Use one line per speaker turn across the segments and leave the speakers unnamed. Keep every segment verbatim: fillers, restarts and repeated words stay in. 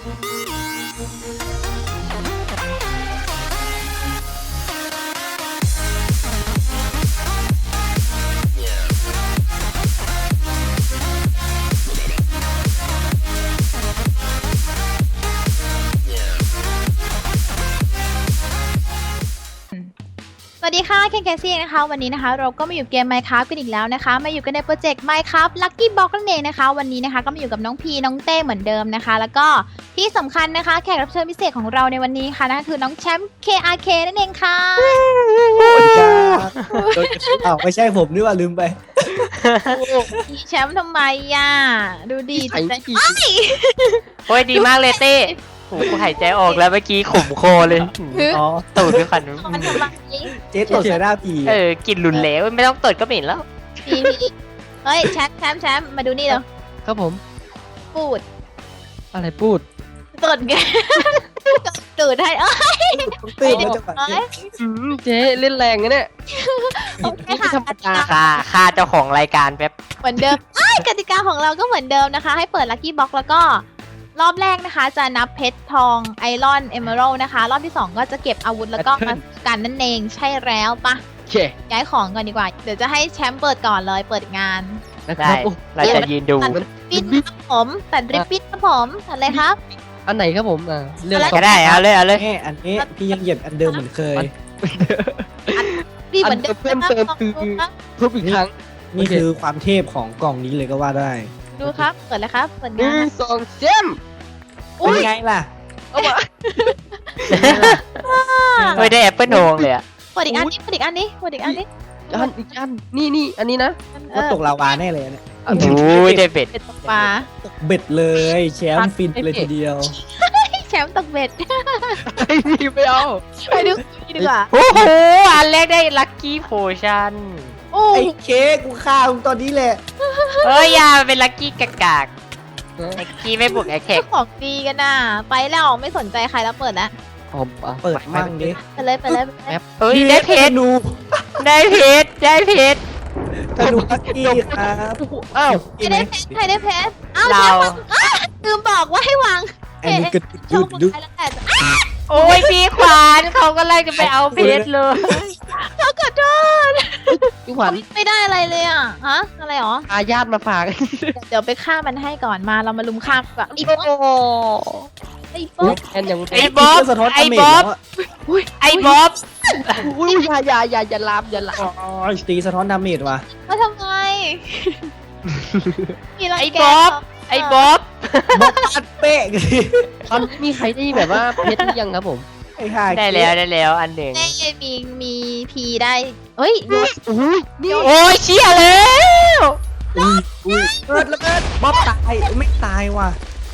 สวัสดีค่ะเคนแคซี่นะคะวันนี้นะคะเราก็มาอยู่เกม Minecraft กันอีกแล้วนะคะมาอยู่กันในโปรเจกต์ Minecraft Lucky Block นั่นเองนะคะวันนี้นะคะก็มาอยู่กับน้องพีน้องเต้เหมือนเดิมนะคะแล้วก็ที่สำคัญนะคะแขกรับเชิญพิเศษของเราในวันนี้ค่ะนั่นคือน้องแชมป์ เค อาร์ เค นั่นเองค่ะ
สวัสดีครับอ้าวไม่ใช่ผมนี่ว่าลืมไป
แชมป์ทำไมอ่ะดูดีจังเลย
โอ้ยดีมากเลยเต้โอ้โหหายใจออกแล้วเมื่อกี้ขมคอเลย
อ๋อ
ตูดด้วยคัน
มันทำไม
เจ๊ตดใส่หน้าผี
เออกลิ่นหลุนแล้วไม่ต้องตดก็เหม็นแล้ว
พีพีเฮ้ยแชมป์แชมป์แชมป์มาดูนี่เร็ว
ครับผม
ปูด
อะไรพูด
ตดไงตูดให้เอ้ย
ต้องตื่นแล้วจังหวะนี้
อืมเจ๊เล่นแรงนะเนี่ย
โอเค
ไม่
ค่ะ
ธรรมดา
ค่าค่าเจ้าของรายการแป๊บ
เหมือนเดิมเอ้ยกติกาของเราก็เหมือนเดิมนะคะให้เปิดลัคกี้บ็อกแล้วก็รอบแรกนะคะจะนับเพชรทองไอรอนเอเมอรัลนะคะรอบที่สองก็จะเก็บอาวุธแล้วก็มากันนั่นเองใช่แล้วปะ
โอเค
ย้ายของก่อนดีกว่าเดี๋ยวจะให้แชมป์เปิดก่อนเลยเปิดงาน
นะค
ได้
รับโอ้
เราจะยืนดู
ตัดปิ้นครับผมตัดริบบิ้นครับผมตัดเลยครับ
อันไหนครับผมอ่าเรื่อง
ก็ได้เอาเลยเอาเลย
แม่อันนี้พี่ยังเหยียบอันเดิมเหมือนเคย
พี่เหมือนเดิม
เพิ่มเติมคือทุบอีกครั้ง
นี่คือความเทพของกล่องนี้เลยก็ว่าได้
ดูครับเปิดเลยครับเปิด
หนึ่
งาง น
สองเจม
เป็นไงล่ะ
เอามา
เฮ้ยได้แอปเปิลทองเลยอะ
เปิดอีกอันนี้เปิดอีกอันนี้เปิดอีกอันนี้
อันอีกอันนี่นี่อันนี้นะ
เอ
ว่า
อ
ตกลาวาแน่เลยเนี่ย
อัน
โอ้ยได้เป็ด
เป็ดตกปลา
ตกเบ็ดเลยแชมป์ฟินเลยทีเดียว
แชมป์ตกเบ็ด
ไอ้นี่ไม่เอา
ไปดูนี่ดีกว่า
โอ้โหอันแรกได้ลัคกี้โพชั่น
โอ้
ไอ้เค้กกูฆ่ามึงตอนนี้แหละ
เฮ้ยยามันเป็นลัคกี้กากากลัคกี้ไม่บุกไอแท็ก
เจ้าของดีกันน่ะไปแล้วไม่สนใจใครแล้วเปิดแล้ว
ผมอ่ะ
เปิดมั่งดิ
ไปเลยไปเลยไปเลย
เฮ้ยได้เพชร
นู
ได้เพชรได้เพชร
ธนูลักกี้ครับ
อ้าว
ใครได้เพชรใครได้เพชรอ้าว
เรา
แชมป์วางอ้าวลืมบอกว่าให้วาง
ไอ้นี่กระ
โช
ดุ
ว์
ด
มื
ดุ
อ
ด
ไปแล้วแต่
โอ้ยพี่ขวานเขาก็ไล่จะไปเอาเพชรเลย
เขาขอโทษ
พี่ขวัญ
ไม่ได้อะไรเลยอ่ะฮะอะไรหรอ
อาญาตมาฝาก
เดี๋ยวไปฆ่ามันให้ก่อนมาเรามาลุมฆ่าแบบอี
โอ้
ป๊อป
โห
ไอ้ป๊อป
แอนยัง
ไอ้บ๊อบ
สะท้อน
ไอ้
ดาเมจ
บ๊อบ
แล้วะ
ไอ้บ๊อบ
อุ้ยอย่าอย่าอย่าอย่าลามอย่าลาม
อ๋อตีสะท้อนดาเมจว่ะ
มาทำไมมีรัง
ไอ้
แก
บ๊อบไอ้บ๊อบ
บอกปัดเป๊ะ
ตอนนี้มีใครได้แบบว่าเพชรหรือยังครับผม
ไอ้ห่า
ได้แล้วได้แล้วอันหนึ่ง
ได้มีมีพีได้เฮ้ยโยน
อุ้ยนี่
โอ้ยเชี่ยแล้ว
อุ้ยอุ้ยเกิดแล้วเกิดบ๊อบตายไม่ตายว่ะ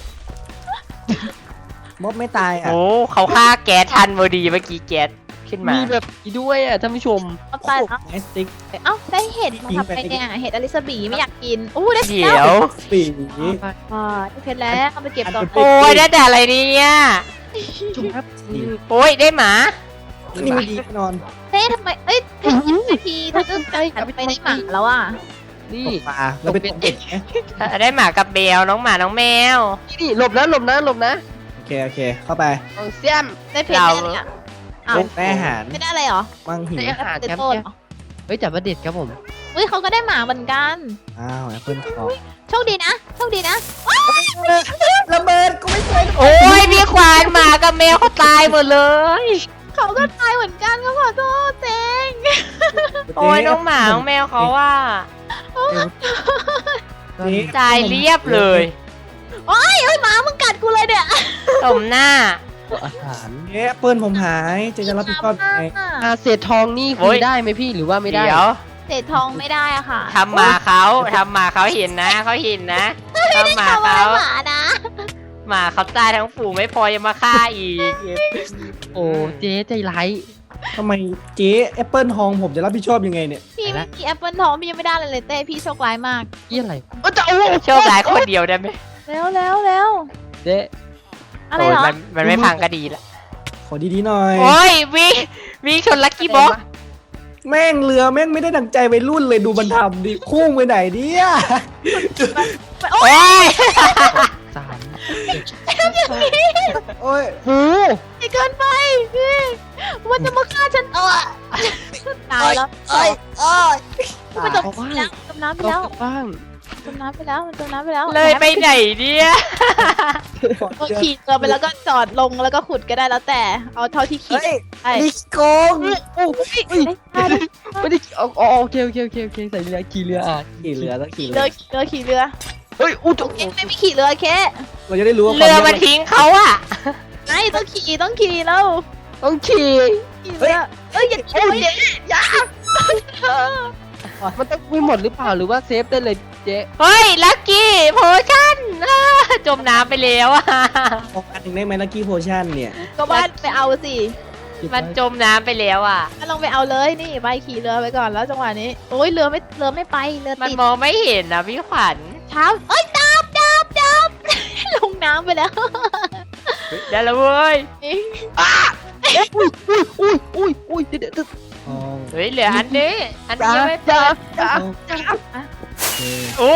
บ๊อบไม่ตายอ่ะ
โอ้เขาฆ่าแก๊สทันพอดีเมื่อกี้แก๊สขึ้นมา
มีแบบนี้ด้วยอ่ะท่านผู้ชม
เอาตายแล้ว
ไนสติ๊ก
เอ้าได้เห็ดมาทำไงเนี่ยเห็ดอลิซาบีไม่อยากกินอู้ได้
เดี๋ยว
ปี
อ่าได้เพชรแล้วเอาไปเก็บก่อน
โอ้ยได้แต่อะไรเนี่ย
ชมครับ
โอ้ยได้หมา
นี่ไม่ดีแน่นอน
เต้ทำไมเอ้ยเพชรพีถ้าเกิดหันไปในหมาแล้วอ่ะ
นี่
ตกปลาแล้วไปตกเบ็ดไง
ได้หมากับแมวน้องหมาน้องแมว
นี่หลบนะหลบนะหลบนะ
โอเคโอเคเข้าไป
เอาเสียม
ได้เพชรได้อะไรอ่ะอ้าว
ได้อาหาร
ไม่ได้อะไรหรอ
มังหิว
ได้อาหาร
เต็
แชมป์
ต้น
เนี่ยเฮ้ยจับมาเด็ดครับผม
อุ้ยเขาก็ได้หมาเหมือนกัน
อ้าวแอปเปิลทอง
โชคดีนะโชคดีนะ
ระเบิดกูไม่เคย
โอ้ยพี่ควานหมากับแมวเขาตายหมดเลย
เขาก็ตายเหมือนกันก็ขอโทษเจง
โอ้ยน้องหมาน้องแมวเขาว่า ตายเรียบเลย
โอ้ยเอ้ยหมามึงกัดกูเลยเนี่ย
สมหน้า
อาหาร
เอ๊ะแอปเปิลผมหายจะจะรับผิดชอบยังไง
อาเศษทองนี่
โอ้
คุ
ย
ยได้ไหมพี่หรือว่าไม่ได้
เดี๋ยว
เศษทองไม่ได้อะค่ะ
ทำหมาเขาทำหมาเขาเห็นนะเขาเห็นนะทำหมา
ทำอะไร
เขา
หมานะ
หมาเขาตายทั้งฝูงไม่พอยังมาฆ่าอีก
โอ้เจ๊ใจร้าย
ทำไมเจ๊แอปเปิลทองผมจะรับผิดชอบยังไงเนี่ย
พี่ไม่มีแอปเปิลทองพี่ยังไม่ได้เลยเลยเต้พี่โชคร้ายมาก
ยี่อะไรเออจะโอ้
โชคร้ายคนเดียวได้ไหม
เร็วเร็วเร็ว
เจ๊
อะไร
โอ้ย
เหรอ
มันมันไม่พังก็ดีละ
ขอดีๆหน่อย
โอ้ยวิ่งวิ่งชนลักกี้บ็อก
แม่งเรือแม่งไม่ได้ดังใจไปรุ่นเลยดูมันทำดิพุ่งไปไหนเนี่ย
โอ้
โอ้
ย
ย
สาม
โอ้ย
โอ้
ไม่เกินไปพี่มันจะมาฆ่าฉันเออตายแล้ว
เอ้ยเอ้ย
มันจม
เอาบ้าง
น้ำจมน้ำไป
เรา
แล้ว
กลับบ้าง
จมน้ำไปแล้วมันจมน้ำไปแล้ว
เลยไปไหนเนี่ย
เออขี่เรือไปแล้วก็จอดลงแล้วก็ขุดก็ได้แล้วแต่เอาเท่าที่ขี่
เฮ้ย
ได้
นี่โกง
โอ้ย
ได้ได้
ไม่ได้เอาอ๋อโอเคโอเคโอเคโอเคใส่เรือขี่เรืออ่ะ
ขี่เรือต้องขี่
ขี่
เรื
เรือ อขี่เรือขี่เรือ
เฮ้ยอู้
โอเคไม่ไม่ขี่เรือแค่
เราจะได้รู้ว่า
เรือมาทิ้งเขาอะ
ไอ้ต้องขี่ต้องขี่แล้ว
ต้องขี่
ขี่เรือเอ้ยอย่าขี่อย่าอย่า
มันต้องไม่หมดหรือเปล่าหรือว่าเซฟได้เลยเจ๊
เฮ้ยลักกี้โพชั่นอ้าจมน้ำไปแล้วอะ
ออกอันหนึ่งได้ไหมลักกี้โพชั่นเนี่ย
ก็ว่าไปเอาสิ
มันจมน้ำไปแล้วอะ
ก็ลองไปเอาเลยนี่ไปขี่เรือไปก่อนแล้วจังหวะนี้โอ้ยเรือไม่เรือไม่ไปเรือ
มัน
ติด
มองไม่เห็นนะพี่ขวัญ
เท้าเอ้ยดับดับดับ ลงน้ำไปแล้ว
ได้แล้วเว้ย
อุ้ยอุ้ยอุ้ยอุ้ยเดี๋ยวเดี๋ยวเดี๋ยว
อ๋อ
เฮ้ยเหลืออันนี้อันนี้ยังไม่
จ้า
เปิด
จ้า
โอเค
โอ้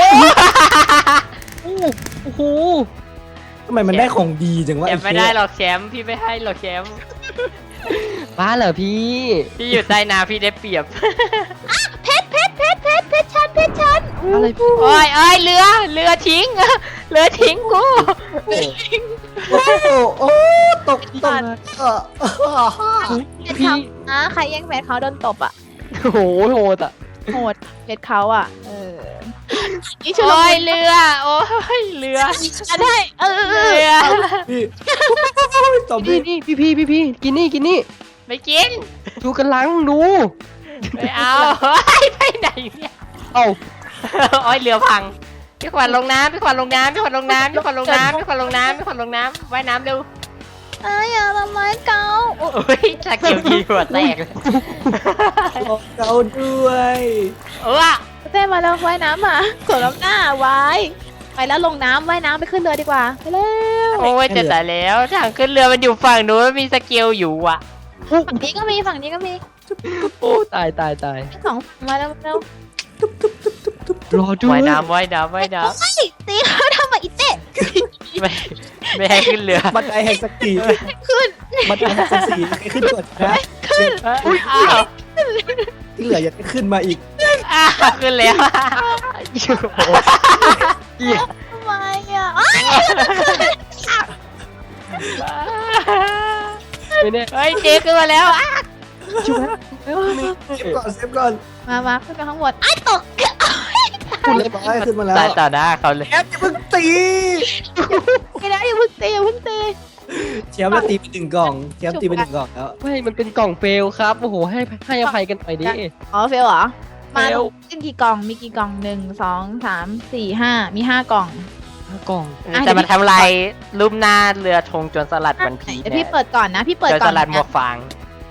โอ้โห
ทำไมมันได้ของดีจังวะ
แชมป์ไม่ได้หรอกแชมป์พี่ไม่ให้หรอกแชมป์
บ้าเหรอพี่
พี่อยู่ใต้น้ำพี่ได้เปรียบ
เพชรเพชรเพชรเพชรเพชรชันเพชรชัน
อะไรพี่
โอ้ยเอ้ยเรือเรือทิ้งเรือทิ้งกู
โอ้โหโอ้ตกตกเออ
เพชรเขาอ่ะใครแย่งเพชรเขาโดนตบอ่ะ
โอ้โหโหดอ่ะ
โหดเพชรเขาอ่ะเออนี่ชุล
โอ้
มุ
ย
น
เรือโอ้ยเรือ
อ่ะได้เออเออเอ
เรือ
อ
พี่ตบ
พี่
พี่
นี่พี่พี่พี่พี่กินนี่กินนี่
ไม่กิน
ดูกันลังดู
ไม่เอาเฮ้ยไปไหนเนี่ย
เอ้า
โอ้ยเรือพังพี่ขวัญลงน้ำพี่ขวัญลงน้ำพี่ขวัญลงน้ำพี่ขวัญลงน้ำพี่ขวัญลงน้ำพี่ขวัญลงน้ำว่ายน้ำเร็ว
ไอ้อย่าทำร้ายเขาโอ้
โอ้ยชาเกียวกีหัวแตกเลย
บอกเราด้วย
เออ
เต้มาแล้วว่ายน้ำมาสวนน้ำหน้าไว้ไปแล้วลงน้ำว่ายน้ำไปขึ้นเรือดีกว่าไปเร็ว
โอ้ยจะตายแล้วทางขึ้นเรือมันอยู่ฝั่งนู้นมีสเกลอยู่อ่ะ
ฝั่งนี้ก็มีฝั่งนี้ก็มี
โอ้ตายตายตาย
ทั้งสองฝั่งมาแล้วเร็ว
รอด้วย
ว่ายน้ำว่ายน้ำว่ายน้
เฮ้ยตีเขาทำไมอีเต้
ำไม่ไม่ให้ขึ้นเรือ
บันไดแห่งสกี
ขึ้น
บันไดแห่งสกีให้ขึ้นก่อนนะ
อุ้ยอ้าว
ที่เหลืออย่าขึ้นมาอีก
อ้าวขึ้นแล้ว
โอ้โหเหี้ย
ทำไมอ่ะอ้าว
ไม่แน่
เฮ้ยเจ๊ขึ้นมาแล้วอ่ะ
ช่วยแล้ว
เซฟก่อนเซฟก่อน
มามาขึ้นไปข้างบนไอ้ตก
คุณเรียบร้อยขึ้นมาแล้ว
ตายต่อหน้าเขาเลย
แอปอย่าเพิ่งตี
ไม่ได้อย่าเพิ่งตีอย่าเพิ่งตี
แชมป์แล้วตีไปหนึ่งกล่องแชมป์ตีไปหนึ่งกล่องแล้ว
ไม่มันเป็นกล่องเฟลครับโอ้โหให้ให้อภัยกันหน่อยดิ
อ๋อเฟลเหรอมา
เฟล
ขึ้นกี่กล่องมีกี่กล่องหนึ่งสองสามสี่ห้ามีห้ากล่อง
กล่อง
อ่ะ
จะมาทำลายรูปหน้าเรือธงจนสลัดวันพี
เดี๋ยวพี่เปิดก่อนนะพี่เปิด
จน
ก่
ส
อน
ลัดหมวกฟาง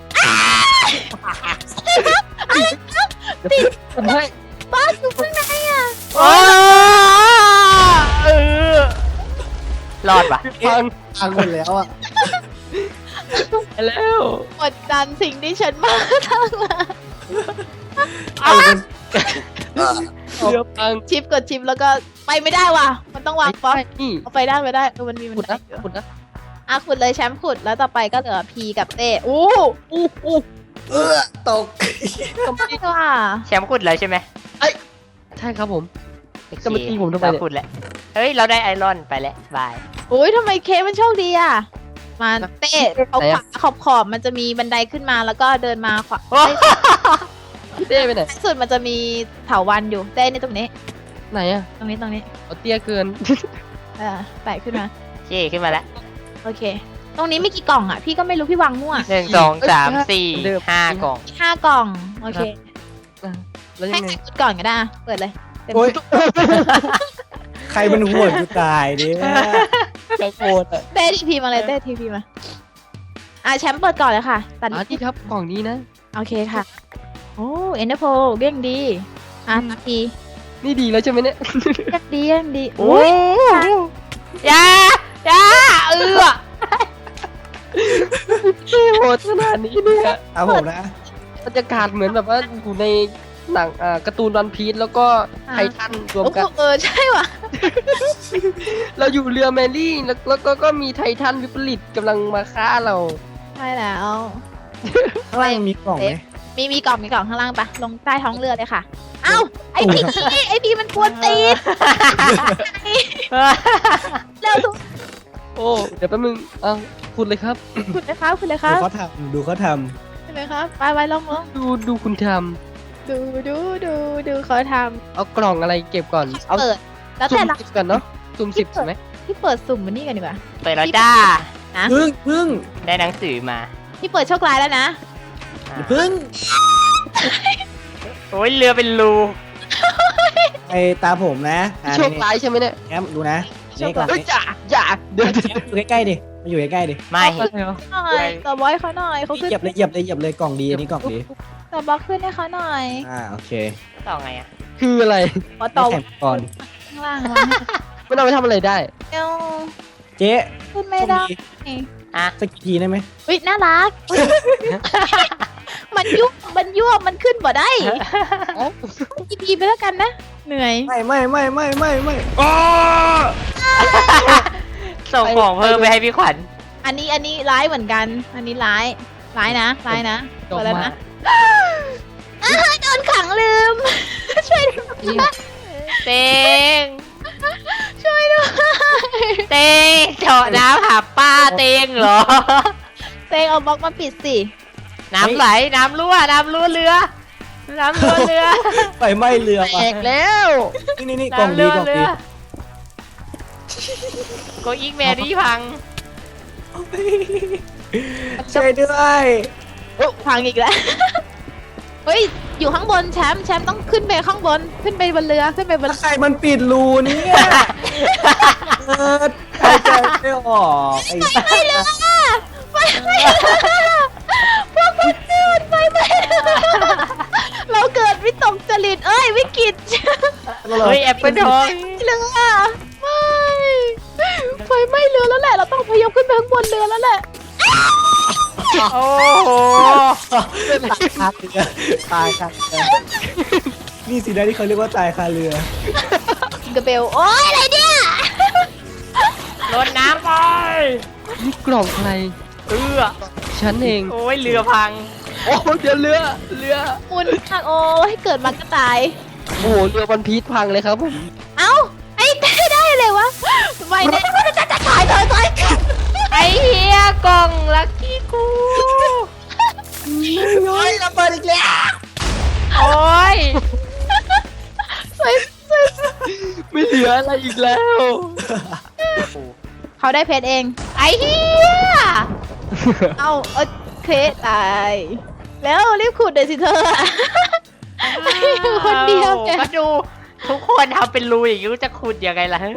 เฮ้ย
บ้าอยู่ข้างในอ่ะ
โอ้เออรอดปะ
ฟัง
พังหมดแล้วอ่ะ
ไปแล้ว
กดดันสิ่งที่ฉันมาทั้งหลาย
เอาคน
เรือพัง
ชิปกดชิปแล้วก็ไปไม่ได้ว่ะมันต้องวางป๊อป
นี่
เอาไปได้ไปได้เออมันมีมัน
ขุด
ได้
นะ
อยู่
ขุดนะ
อ่ะขุดเลยแชมป์ขุดแล้วต่อไปก็เหลือพีกับเต้อู้อู้อู้
เออตก
กำลัง
ว่า
แชมป์ขุดแล้วใช่ไหม
ใช่ครับผม จะมาตีผมทำไมเนี่ย
เราขุดแล้วเฮ้ยเราได้ไอรอนไปแล้วบาย
อุ้ยทำไมเคมันโชคดีอ่ะมาเต้เอาขวาขอบขอบมันจะมีบันไดขึ้นมาแล้วก็เดินมาขวา
โอ้
พี่เต้ไปไหน
สุดมันจะมีเถาวันอยู่เต้ในตรงนี้
ไหนอะ
ตรงนี้ตรงนี้
เอาเตี้ยเกิน
เออไต่ขึ้นมา
เจ๊ขึ้นมาแล้ว
โอเค ตรงนี้มีกี่กล่องอ่ะพี่ก็ไม่รู้พี่วางมั่ว
หนึ่งสองสามสี่ห้ากล่อง
มีห้ากล่องโอเค
แล้วยั
ให้
งไง
ใครขุดก่อนก็ได้อ่ะเปิดเลยเต็ม
โอ้ยใครมันห่วงกูตายเนี่ย
กระโกดอะ
เต้ทีพีมาเลยเต้ทีพีมาอ่ะแชมป์เปิดก่อนเลยค่ะตัด
อ่ะที่ครับกล่องนี้นะ
โอเคค่ะโอ้เอ็นเดอร์โพเร่งดีอ่ะตัดที
นี่ดีแล้วใช่ไหมเนี่ย
เร่งดีเร่งดี
โอ้
อุ้ย
ยยายาเออ
โหดขนาดนี้เนี่ย
เอาผมนะ
บรรยากาศเหมือนแบบว่าอยู่ในหนังอ่าการ์ตูนวันพีซแล้วก็ไททันรวม
โอ้
กัน
เออใช่ว่ะ
เราอยู่เรือแมรี่แล้วแล้วก็ก็มีไททันวิปริตกำลังมาฆ่าเรา
ใช่แล้ว
ข้างล่างมีกล่องไหม
มีมีกล่องมีกล่องข้างล่างปะลงใต้ท้องเรือเลยค่ะ เอ้าไอพีไอพีมันกวนตีนเร็วทุก
โอ้เดี๋ยวแป๊บนึงเอาคุณเลยครับ
คุณเลยครับคุณเลยค
ดู
รับ
เขาทำดูเขาท
คุณเลยครับไปไปลงลง
ดูดูคุณท
ดูดูดูดูเขาท
ำเอากล่องอะไรเก็บก่อน
ำ
เอา
เปิด แล้ว
สุ่
แต่
ม
ละ
สิบก่อนเนาะสุ่มสิบใช่ไหม
ที่เปิดสุ่มมันนี่กันดีกว่า
เปิดแล้วจ้า
ำพึ่งพึ่ง
ได้หนังสือมา
ที่เปิดโชคร้ายแล้วนะ
อ่า
พึ่ง
โอ้ยเรือเป็นรู
ไอตาผมนะอ่า
โชคร้ายใช่ไหมเนี่ย
แง้มดูนะนี่กล่อง
เฮ้ย
นี้
จ่าจ่าเดี๋ยวเดี๋ยว
แง้มอยู่ใกล้ๆดิมาอยู่ใกล้ๆดิ
ไม่
อะไรเหรอ
หน่อยต่อบอยเขาหน่อยเขาขึ้น
เหยียบเลยเหยียบเลยเหยียบเลยกล่องดีอันนี้กล่องดี
ต่อบล็อกขึ้นให้เขาหน่อย
อ่าโอเค
ต่อไงอ่ะ
คืออะไร
ขอต่อ
ไม่แข่งก่อน
ข้างล่างวะ
มันเอาไปทำอะไรได้
เดี๋ยว
เจ๊
ขึ้นไม่ได้
อ่ะ
สักกี่ทีได้ไหม
อุ้ยน่ารัก มันยุบมันยั่วมันขึ้นบ่ได้อีพีไปแล้วกันนะ เหนื่อย
ไม่ไม่ไม่ไม่ไม่ไม่
ส่งของเพิ่มไปให้พี่ขวัญ
อันนี้อันนี้ร้ายเหมือนกัน อันนี้ร้ายร้ายนะร้ายนะ
ดอก
เปิดแล้ว
ไม้
นะอ้าวโดนขังลืม ช่วยด้วย
เต็ง
ช่วยด้วย
เต็งเจาะน้ำหาป้าเต็งเหรอ
เตงเอาบล็อกมาปิดสิ
น้ำไหล น้ำรั่ว น้ำรั่วเรือ น้ำรั่วเรือ
ไฟไหม้เรือ
แต
ว่ะ
กแล้ว
นี่นี่นี่กล่อง
น้ำ
ดี
รั่ว
กล่อง
เรื
ดี
อโกอิกแมรี่พัง
ช่วยด้วย
โอ้พังอีกแล้ว เฮ้ย อยู่ข้างบนแชมป์แชมป์ต้องขึ้นไปข้างบน ขึ้นไปบนเรือ ขึ้นไปบน
ใครมันปิดรูเนี่ยเออใครใจไม่ออกไอ้
ไม่เรือไฟไหม้เรือพวกมันเรือไฟไหม้เรือเราเกิดวิตกจริต เอ้ย วิกฤต
เฮ้ยแอปเปิลทอง
เรือไม่ไฟไหม้เรือแล้วแหละ เราต้องพยายามขึ้นไปข้างบนเรือแล้วแหละ
โอ้โห
ตายคาเรือตายคาเรือนี่สินะที่เขาเรียกว่าตายคาเรือ
จิงกระเบล โอ้ยอะไรเนี่ย
โดนน้ำไป
นี่กล่องใคร
เออ
ฉันเอง
โอ้ยเรือพัง
โอ้เดี๋ยวเรือเรือ
มุนมากโอ้ยเกิดมาก็ตาย
โอ้โหเรือวันพีชพังเลยครับผม
เอ้า ไอ้ได้ได้เลยวะไม่ได้จะจะตายตายตาย
ไอ้เฮียกล่องลักกี้กู
โอ้ยระเบิดอีกแล้ว
โอ้ย
สวยสวย
ไม่เหลืออะไรอีกแล้ว
เขาได้เพชรเอง
ไอ้เฮีย
เอาโอเคตาย แล้วรีบขุดเดี๋ยวสิเธอคนเดียวแก
ก็ดูทุกคนทำเป็นรูอย่างนี้จะขุดยังไงล่ะ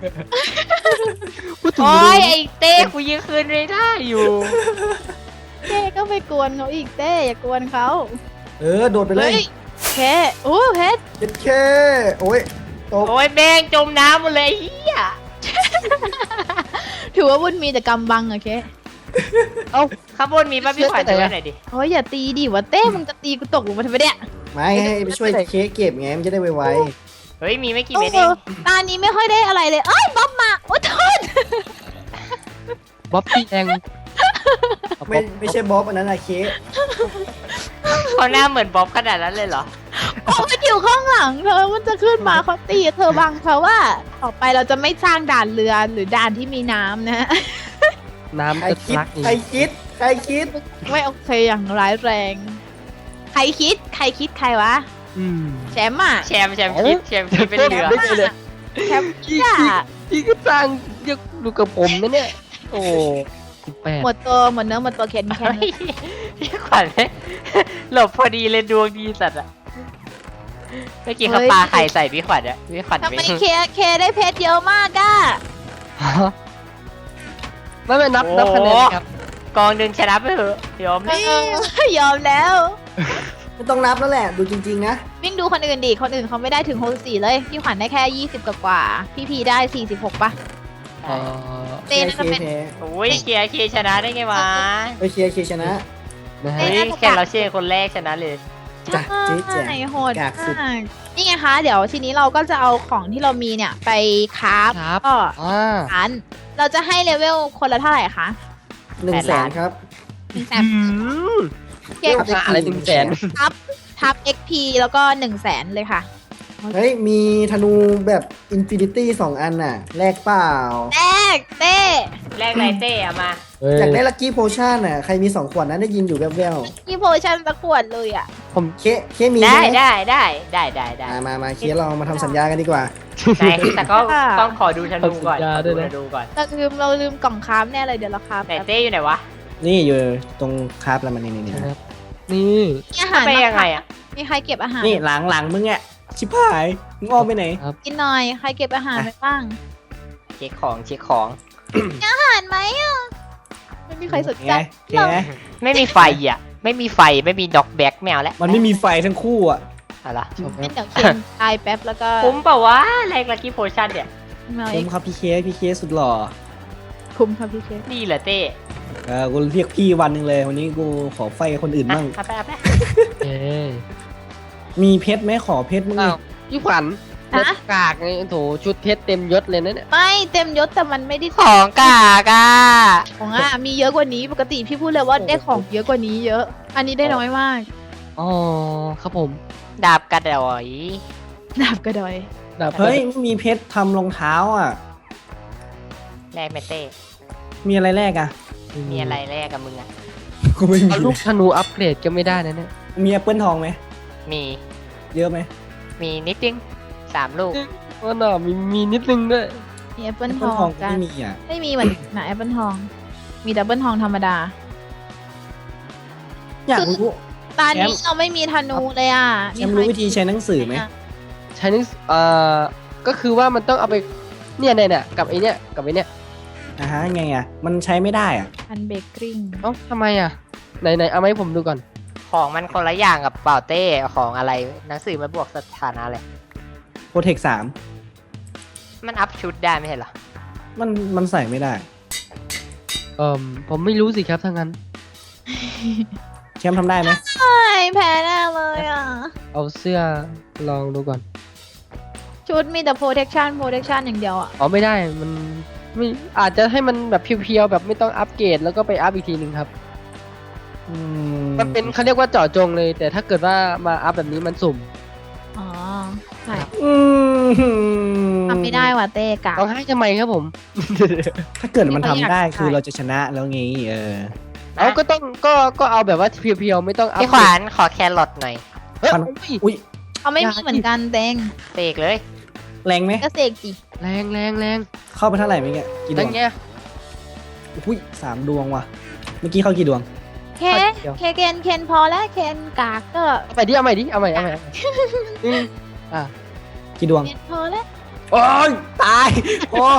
พูดถึง
โอ้
เรื
ย
อ
ไอ้เต้กูยังคืนไม่ได้อยู่
เต้ก็ไปกวนเขาอีกเต้อย่ากวนเขา
เออโดดไปเล
เฮ้
ย
ยแค่โอ้เพชร
เจ็ดเคโอ้ยตก
โอ้ยแม่งจมน้ำหมดเลยไอ้เฮีย
ถือว่าบุญมีแต่กำบังอะเค
เอ้า
ข้างบนมีป้าพี่ขวัญดูไว้หน่อยดิ
โอ้ยอย่าตีดิวะเต้มึงจะตีกูตกลงมาทำไมเนี่ย
ไม่ให้ไปช่วยเค้กเก็บไงมันจะได้ไว
เฮ้ยมีไม่กี่
โอ้
เม็ด
โห
เอง
ตานี้ไม่ค่อยได้อะไรเลย เอ้ยบ๊อบมาโอ้โทษ
บ๊อบบี้แดง
ๆไม่ไม่ใช่บ๊อบอันนั้นอะเค้ก
เขาหน้าเหมือนบ๊อบขนาดนั้นเลยเหรอ
โอ้มันอยู่ข้างหลังเธอมันจะขึ้นมาเขาตีเธอบังเขาว่า ต่อไปเราจะไม่สร้างด่านเรือหรือด่านที่มีน้ำนะ
น้ำ
ใคร
จะ
คิด
รักอีก
ใครคิดใครคิด
ไม่โอเคอย่างร้ายแรง ใครคิด ใครคิดใครวะ
อืม
แชมป์อ่ะ
แชมป์แชมป์คิดแชมป์คิดเป็นเรือ
ไม่ใช่เลย
แชมป์
พี่
อ่ะ
พี่พี่ก็สร้างเรียกดูกับผมนะเนี่ย โอ้สิบแปด
หมดตัวหมดเนื้อหมดตัวเข็นแค่
เฮ้
นี้
ยพี่ขวัญหลบพอดีเลยดวงดีสัตว์อะเมื่อกี้เขาปาไข่ใส่พี่ขวัญอะพี่ขวัญ
ทำไม
ไม่
เคเคได้เพชรเยอะมากอ่ะ
ไม่ไม่นับนับคะแนนครับ
กองหนึ่งชนะไปเถอะยอม
เออยอมแล้ว
ไม่ต้องนับแล้วแหละดูจริงๆนะ
วิ่งดูคนอื่นดิ คนอื่นเขาไม่ได้ถึงหกสิบสี่เลย พี่ขวัญได้แค่ยี่สิบกว่าๆพี่พีได้สี่สิบหกป่ะ
เอ่อ
เต้น่าจะเป็น
เค
โอ้ยเชียร์เคชนะได้ไงวะ
ไปเชียร์เคชนะ
นะฮะ
เฮ้ยแค่เราเชียร์คนแรกชนะเลย
เจ
จ้ะเจ๊แจ๋
ใช่โหด
กากสุด
มากนี่ไงคะ เดี๋ยวทีนี้เราก็จะเอาของที่เรามีเนี่ยไปคราฟ
ครับ
ก็
อ่า
ร้านเราจะให้เลเวลคนละเท่าไหร่คะ
หนึ่งแสนครับ
หนึ่งแสน
อืม
เก่ง
ราคาอะไรถึงแสน
ทับทับ เอ็กซ์ พี แล้วก็หนึ่งแสนเลยค่ะ
เฮ้ย มีธนูแบบอินฟินิตี้สองอันน่ะ แลกเปล่า
แรกเต้
แรกไรเต้อะมา
อยากได้ลัคกี้โพชั่นน่ะ ใครมีสองขวดนั้นได้ยินอยู่แว่ว
ที่โพชั่นตะขวดเลยอ่ะ
ผม
ๆเคเคมี
ได้
ใช่ไหม
ได้ได้ได้ได้ได้
อ่ะมามาเคเรามาทำสัญญากันดีกว่า
ไหนแต่ก็ต้องขอดูธนูก่อน
สัญญา
ขอ
ด้
ดู
วยนะ
ธนูก่อน
เราลืมเราลืมกล่องคราฟแน่เลยเดี๋ยวเราคราฟ
ไหนเต้อยู่ไหนวะ
นี่อยู่ตรงคราฟแล้วมันนี่นี่นี่
นะครับนี่
มีอาหาร
ไป
บ้าง
ยังไง
คะ
อะ
มีใครเก็บอาหาร
นี่หลังหลังมึงอ่ะ ชิบหาย มึงอ้อมไปไหน
กินหน่อยใครเก็บอาหารไปบ้าง
เช็คของเช็คของ
อาหารไหมอ่ะไม่มีใครสนใจ
ไงเคไง
ไม่มีไฟอ่ะ ไม่มีไฟไม่มีด็อกแบ็กแมวแล้ว
มันไม่มีไฟทั้งคู่อ่ะ
อะไร
งั้นเดี๋ยวเคนตายแป๊บแล้วก็
คุ้มเปล่าวะแรกลักกี้โพชั่นเนี่ย
มา
ผ
เอ็ก
มครับพี่เคพี่เคสุดหล่อ
คุ้มครับพี่เค
นี่เหรอเต้
เออกูเรียกพี่วันหนึ่งเลย วันนี้กูขอไฟคนอื่น
อ่ะ
บ้าง
เอาไปเอาไป
เอ้ย
มีเพชรไหมขอเพชรมึง
อ้าวพี่ขวัญ
ฮะ
กากไงโถชุดเพชรเต็มยศเลยนะเนี่ย
ไม่เต็มยศแต่มันไม่ได้
ของกากอ่ะ
ของอ่ะมีเยอะกว่านี้ปกติพี่พูดเลยว่าได้ของเยอะกว่านี้เยอะ อันนี้ได้น้อยมาก
อ๋อครับผม
ดาบกระดอย
ดาบกระดอย
ดาบ
เฮ้ยไม่มีเพชรทำรองเท้าอ่ะ
แรกไหมเต้
มีอะไรแรกอ่ะ
มีอะไรแรกกับมึงอ่ะ
กูไม่มี
เอาลูกธนูอัปเกรดก็ไม่ได้นะเนี่ย
มีแอปเปิลทองไหม
มี
เยอะไหม
มีนิดนึงสามลูก
ว่าน่ะมีมีนิดนึงด้วย
มีแอปเปิ
แอ
ล
ป
ท
เปิล
อง
ทองกู
กัน
ไม่มีอ่ะ
ไม่มีเหมือนนะแอปเปิลทอง มีดับเบิลทองธรรมดา
อยากรู้
ตอนนี้
แชมป์
เราไม่มีธนูเลยอ่ะ
แชมป์รู้วิธีใช้หนังสือไหม
ใช้นึกเอ่อก็คือว่ามันต้องเอาไปเนี่ยเนี่ยเนี่ยกับไอเนี่ยกับไอเนี่ย
อ่าฮะไงอ่ะ มันใช้ไม่ได้อ่ะ
อันเบกกิ้ง
เอ้าทำไมอ่ะไหนไหนเอามาให้ผมดูก่อน
ของมันคนละอย่างกับเป่าเต้ของอะไรหนังสือมันบวกสถานะเลย
โปรเทคสาม
มันอัพชุดได้ไม่ใช่เหรอ
มันมันใส่ไม่ได้
เอ่อผมไม่รู้สิครับถ้างั้น
แชมป์ทำได้ไหม
ใช่แพ้แน่เลยอ่ะ
เอาเสื้อลองดูก่อน
ชุดมีแต่ protection protection อย่างเดียวอ่ะ
อ๋อไม่ได้มันไม่อาจจะให้มันแบบเพียวๆแบบไม่ต้องอัปเกรดแล้วก็ไปอัพอีกทีหนึ่งครับ
อื
มันเป็นเขาเรียกว่าเจาะจงเลย แต่ถ้าเกิดว่ามาอัพแบบนี้มันสุ่ม
อ๋อใช่
อืม
ทำไม่ได้ว่ะเต้กะ
ต้องให้ทำไมครับผม
ถ้าเกิดมันทำได้
ไม่ค่อยอยาก
คือเราจะชนะแล้วไงเออ
เอาก็ต้องก็ก็เอาแบบว่าเพียวๆไม่ต้องอัพ
พี่ขวานขอแครอทหน่อย
เฮ้ย
ขวัญ
อุ้ย
อุ้ย
เขาไม่มีเหมือนกันเต้ง
เสกเลย
แรงไหม
ก็เสกจิ
แรงแรงแรง
เข้าไปเท่าไหร่เมื่อกี้กี่ด
ตั้
ว
ง
ง
เงี้ย
อุ้ยสามดวงว่ะ เมื่อกี้เข้ากี่ดวง
เคเคเคนเคนพอแล้วเคนกากก็
เอาไปดิเอาใหม่ดิเอาใหม่เอาใหม่เอาใหม่อืมอ่ะ
กี่ดวง
เคนพอแล้ว
โอ้ยตายโอ้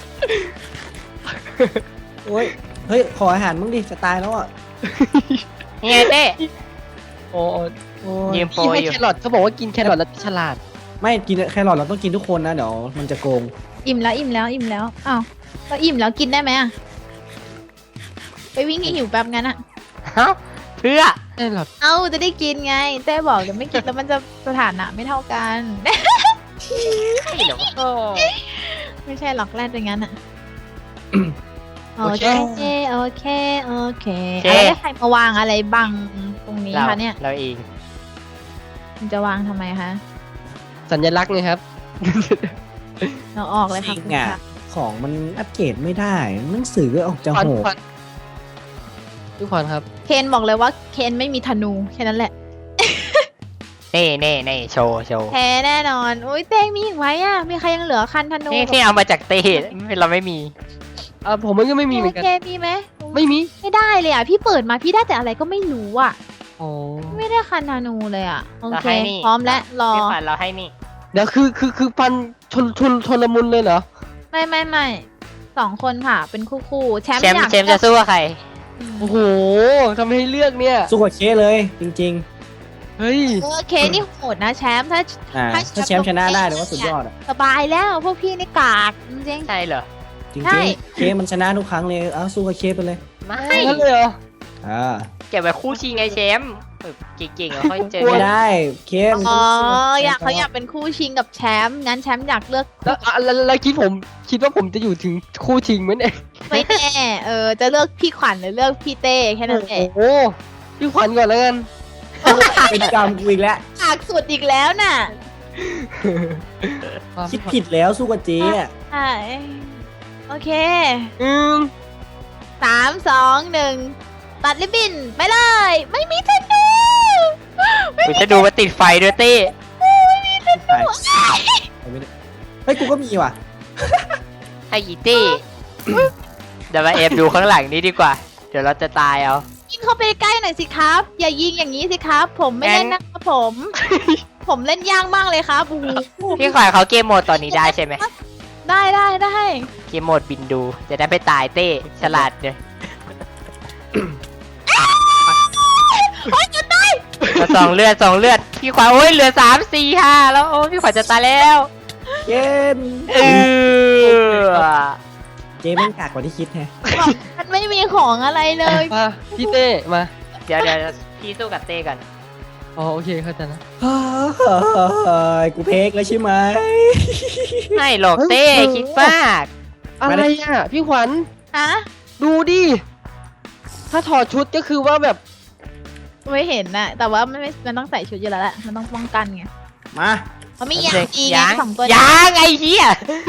โอ้ยเฮ้ยขออาหารมึงดิจะตายแล้วอ่ะ
นี่ไงเต้
โอ้โอ้
โอ้ย
ยืมโปร
พี่ให้
อยู่
แครอทเขาบอกว่ากินแครอทแล้วฉลาด
ไม่กินแครอทเราต้องกินทุกคนนะเดี๋ยวมันจะโกง
อิ่มแล้วอิ่มแล้วอิ่มแล้วอ้าวก็อิ่มแล้วกินได้ไหมอ่ะไปวิ่งให้หิวแป๊บงั้นอ่ะ
เอ้าเพื่อ
แครอท
เอ้าจะได้กินไงเต้บอกเดี๋ยวไม่กินแล้วมันจะสถานะไม่เท่ากัน
ใช่เหรอวะ
ก็
ไม่ใช่หรอกแรดเป็นงั้นอ่ะ โอเคโอเคโอเคอะไรให้ใครมาวางอะไรบังตรงนี้
เรา
คะเนี่ย
เราเอง
มันจะวางทำไมคะ
สัญลักษณ์ไงครับ
เราออกเลย
จ
ค่ะ
ริง
คุณ
อ่ะ
ค่ะ
ของมันอัปเกรดไม่ได้หนังสือก็ออกจะ
ขวัญ
โหด
ขวัญทุกคนครับ
เคนบอกเลยว่าเคนไม่มีธนูแค่นั้นแหละ
เน่เน่เน่โชว์โชว์
แพ้แน่นอนอุ้ยเต้งมีอีกไหมอ่ะมีใครยังเหลือคันธนู
นี่ที่เอามาจากเต้เราไม่มี
อ่าผมมันก็ไม่มีเหมือนกัน
เคมีไหม
ไม่มี
ไม่ได้เลยอ่ะพี่เปิดมาพี่ได้แต่อะไรก็ไม่รู้อ่ะ
อ๋อ
ไม่ได้คันธนูเลยอ่ะโอ
เรา
เค
ให้นี่
พร้อมแล้วรอ
พี่ขวัญเราให้นี่
เดี๋ยวคือคือคือฟันชนชนชนละมุนเลยเหรอ
ไม่ไม่ไม่สองคนค่ะ เป็นคู่คู่ๆแชมป์
แชมป์
อยาก
แชมป์จะสู้กับใคร
อืม
โอ้โหทำให้เลือกเนี่ย
สู้กับเคเลยจริง
เฮ้ย
เออเคนี่โหดนะแชมป์ถ้า
ๆอ่า
ถ้า
ถ้าแชมป์ชนะได้เดี๋ยวว่าสุดยอดอ่ะ
สบายแล้วพวกพี่นี่กากจริง
ใช่เหรอ
จริง
ใช่
ๆเคมันชนะทุกครั้งเลยเอาสู้กับเคไปเลย
ไม่
งั้นเลยเหรอ
อ่า
เก็บไว้คู่ชิงไงแชมป์ฝึกเก่งๆแล้วค่อยเจอ
ไม่
กัน
ได้เข้ม
อ๋ออยากเขาอยากเป็นคู่ชิงกับแชมป์งั้นแชมป์อยากเลือก
แล้วอ่ะแล้วแล้วคิดผมคิดว่าผมจะอยู่ถึงคู่ชิงไหมเนี่ย
ไม่แน่เออจะเลือกพี่ขวัญหรือเลือกพี่เต้แค่นั้นเอง
โอ้โหพี่ขวัญก่อนแล้วกัน
เป็นกรรมกูอีกแล้ว
ปากสุดอีกแล้วน่ะ
คิดผิดแล้วสู้กับเจ๊อะ
ใช่โอเค
อืม
สามสองหนึ่งตัดริบบิ้นไปเลย ไม่มีธนู
กูจะดูว่าติดไฟด้วยเต้
ไปเฮ้ยกูก็มีว่ะ
ให้อีเต้เดี๋ยวมาเอฟดูข้างหลังนี้ดีกว่า เดี๋ยวเราจะตายเอา
ยิงเข้าไปใกล้หน่อยสิครับ อย่ายิงอย่างนี้สิครับ ผมไม่เล่นนะครับผม ผมเล่นยากมากเลยครับโอ้โห
พี่ขวัญเขาเกมโหมดตอนนี้ได้ใช่ไหม
ได้ได้ได้
เกมโหมดบินดู จะได้ไปตายเต้ฉลาดเลย
โอ๊ยจะตาย
เราสองเลือดสองเลือด พี่ขวัญโอ้ยเหลือสามสี่ห้าแล้วโอ้ยพี่ขวัญจะตายแล้ว
เจ๊ม
เออ
เจ๊แม่งกากกว่าที่คิดแฮะ
มันไม่มีของอะไรเลย
มาพี่เต้มา
เดี๋ยวเดี๋ยวพี่สู้กับเต้กัน
อ๋อโอเคเข้าใจแล้ว
เฮ้ยกูเพกแล้วใช่ไหม
ไม่หรอกเต้คิดมาก
อะไรอ่ะพี่ขวัญ
ฮะ
ดูดิถ้าถอดชุดก็คือว่าแบบ
ไม่เห็นน่ะ แต่ว่ามันไม่มันต้องใส่ชุดอยู่แล้วแหละ มันต้องป้องกันไง
มา
เขาไม่ยางอีไง
ยัง
สองตัว
ยังไอ้เหี้ย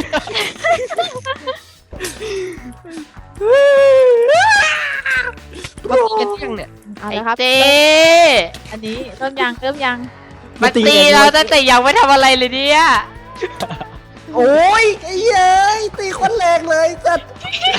มาตีกันยังเนี่ย
เอา
ไอ้
ละครับ
เต้
อันนี้เริ่มยังเริ่มยัง
มาตีเราตั้งแต่ยังไม่ทำอะไรเลยเนี่ย
โอ้ยไอ้เย้ยตีคนแรงเลยสัตว์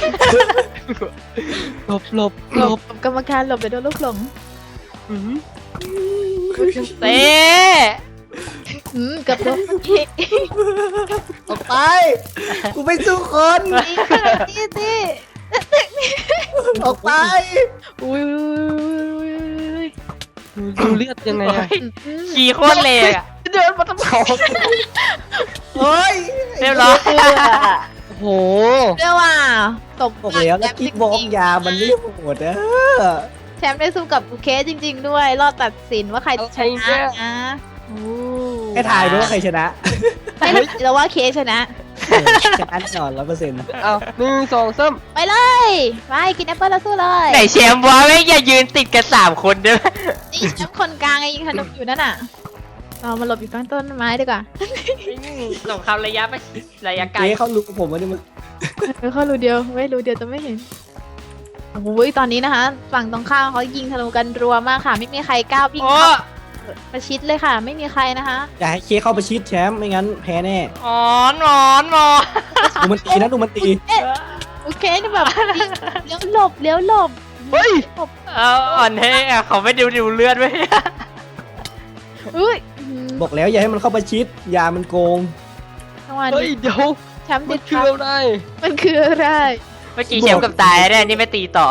หลบหลบ
ห
ห
ล
ล
บบ กรรมการหลบไปโดนลูกหลง
อืม
เต้
อืมเกือบโดนเมื่อกี้
ออกไป กูไม่สู้คน
ตีตี
ออกไป
อุ้ยอุ้ยอุ้ย
ดูดูเลือดยังไงอะ
ขี่โคตรเลยอะ
เดินมาทำเขา
เฮ้ย
เรียบร้อย
โอ้โห
เรียกว่าตบ
บอกแล้วแล้วกิ๊กบอกยามันไม่โหดนะ
แชมป์ได้สู้กับบุเคสจริง ๆ ด้วย รอบตัดสินว่าใครชนะนะโอ้
ให้ทายด้วยว่าใครชนะ
ไม่รู้แต่ว่าเคสชนะ
ชนะแน่นอนร้อยเปอร์เซ็นต์
เอาหนึ่งสองสาม
ไปเลยไปกินแอปเปิ้ลแล้วสู้เลย
ไหนแชมป์วะไม่อย่ายืนติดกันสามคนด้วย
นี่แชมป์คนกลางไงยิงธนูอยู่นั่นน่ะเรามาหลบอยู่กลางต้นไม้ดีกว่า
สงครามระยะไประยะไกล
เจ๊เขารู้ผมว่านี่มึง
เออเข้ารูเดียวไม่รูเดียวจะไม่เห็นโอ้ยตอนนี้นะคะ ฝั่งตรงข้ามเขายิงธนูกันรัวมากค่ะ ไม่มีใครกล้าวิ่ง
โอ้
เข้าประชิดเลยค่ะ ไม่มีใครนะคะ
อย่าให้เค้กเข้าไปชิดแชมป์ไม่งั้นแพ้แน่
อ๋อนหนอนหนอน
ดูมันตีนะดูมันตี
โอเคนี่แบบเลี้ยวหลบเลี้ยวหลบ
เฮ้ย
หลบ
เอาอ่อนให้อะเขาไม่ดูดูเลือดไว้
อุ้ย
บอกแล้วอย่าให้มันเข้าไปชิดยามันโกง
จังหวะ
เฮ้ย
นี้
เดี๋ยว
แชมป์
มั
ติ
น
ด
คือ
ครับ
อะไร
มันคืออะไร
เมื่อกี้แชมป์กับตายเนี่ยนี่ไม่ตีต่อ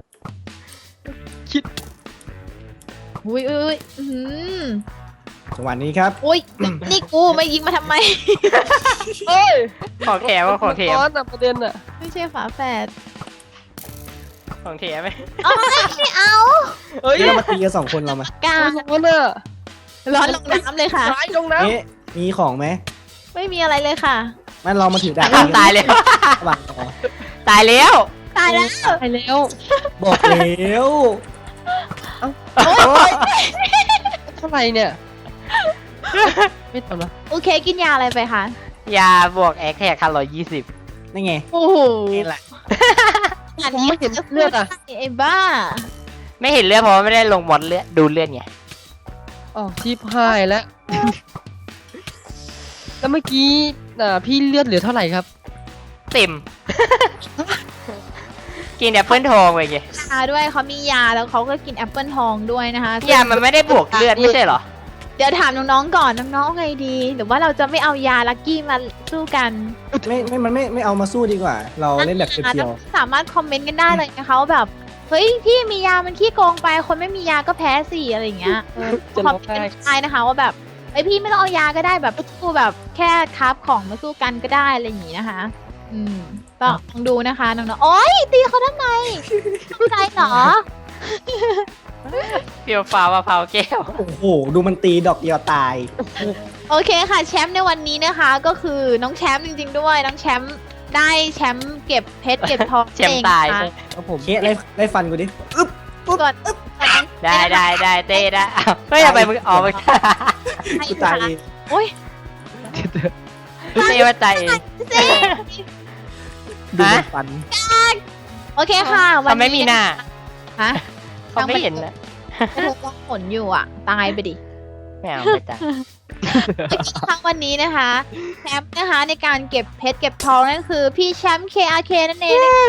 อุ้ยอุ้ยอื้อหือ
จังหวะนี้ครับ
อุ้ยนี่กูไม่ยิงมาทำไม
เฮ้ย
ของแถมว่าของแถม
ร้อนอะประเด็นอะ
ไม่ใช่ฝาแฝด
ของแถมไหม
เอาไม่เอา
เฮ้ย
เดี๋ยวเรามาตีกันสองคนเรามาก
า
ร้อนอะ
ร้อนลงน้ำเลยค่ะ
ซ้ายลงน้
เอ๊ะมีของไหม
ไม่มีอะไรเลยค่ะ
งั้นเรามาถือดาบ
ตายแล้ว
ระหว่างต่อ
ตายแล้ว
ตายแล้ว
ำไปแล้ว
บอกแล้ว
โอ๊ย
เท่าไหร่เนี่ย ไม่ทำละ
โอเคกินยาอะไรไปคะ
ยาบวกแอคแท็กคันร้อยยี่สิบ
นี่ไง
โอ้โห
นี่แหละ
อันนี้ไอ้บ้า
ไม่เห็นเลือดเพราะว่าไม่ได้ลงมอดเลือดดูเลือดไง
อ๋อชีพหายแล้ว แล้วเมื่อกี้อ่าพี่เลือดเหลือเท่าไหร่ครับ
เต็ม กินแอปเปิลทองไปไง
ยาด้วยเขามียาแล้วเขาก็กินแอปเปิลทองด้วยนะคะ
ยามันไม่ได้บวกเลือดไม่ใช่เหรอ
เดี๋ยวถามน้องๆก่อนน้องๆไงดี หรือว่าเราจะไม่เอายาลักกี้มาสู้กัน
ไม่ไม่มันไม่ไม่เอามาสู้ดีกว่า เราเล่นแบบเพียว
สามารถคอมเมนต์กันได้เลยนะคะว่าแบบเฮ้ยพี่มียามันขี้โกงไปคนไม่มียาก็แพ้สิอะไรอย่างเงี้ยเออ
จะ
ค
ร้
อ
อ
ม
ง
เมน
ไห้
ต์ได้นะคะว่าแบบไอยพี่ไม่ต้องเอายาก็ได้แบบสู้แบบแค่คราฟของมาสู้กันก็ได้อะไรอย่างงี้นะคะ อืมก็ลองดูนะคะน้องๆโอ๊ยตีเขาทำไมทำไรเหรอ
เพียวฟ้ามะพร้าวแก้ว
โอ้โหดูมันตีดอกเดียวตาย
โอเคค่ะแชมป์ในวันนี้นะคะ ก็คือน้องแชมป์จริงๆด้วยน้องแชมป์ได้แชมป์เก็บเพชรเก็บทอง
แชมป์ตาย
เอง
ใช่
ค่ะ
ครับผมเคสไล่ไล่ฟันกูดิอึ๊บ
ก่อน
ได้ได้ได้เต้ได้อ้าวเฮ้ยทำไมมึงออกมา
กูตายเอง
โอ้ย
เต้ว่าใจเอง
เจ๊
ดูมันฟัน
โอเคค่ะวัน
เขา
นี้
ไม่มีหน้า
ฮะ
เขาไม่เห็นนะ
เธอต้องผลอยู่อ่ะ ตายไปดิ
ไม่เอาไม่จ้ะ
โอเคค่ะวันนี้นะคะแชมป์นะคะในการเก็บเพชรเก็บทองนั่นคือพี่แชมป์ เค อาร์ เค นั่นเองนะคะ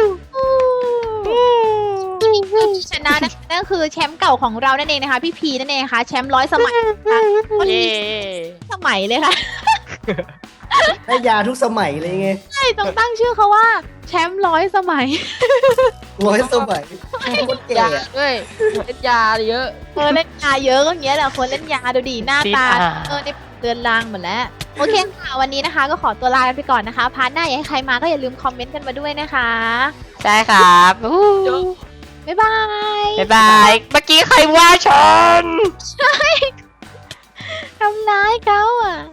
ผู้ชนะนะคะนั่นคือแชมป์เก่าของเรานั่นเองนะคะ พี่พีนั่นเองนะคะแชมป์ร้อยสมัยนะคะคน
เย้
นี้สมัยเลยค่ะ
ได้ยาทุกสมัยเลยไง
ใช่ต้องตั้งชื่อเขาว่าแชมป์ร้อยสมัย
ร้อยสมัยโคตรแก่
ยา
อะ
ด้วยเล่นยาเยอะ
เออเล่นยาเยอะก็อย่างเงี้ยแหละคนเล่นยาดูดีหน้าตาเออในเตือนลางหมดแล้วโอเคค่ะวันนี้นะคะ ก็ขอตัวลากันไปก่อนนะคะพาร์ทหน้าอยากให้ใครมาก็อย่าลืมคอมเมนต์กันมาด้วยนะคะ
ใช่ครับอู้
บ๊ายบาย
บ๊ายบาย เมื่อกี้ใครว่าฉัน
ทำร้ายเขาอ่ะ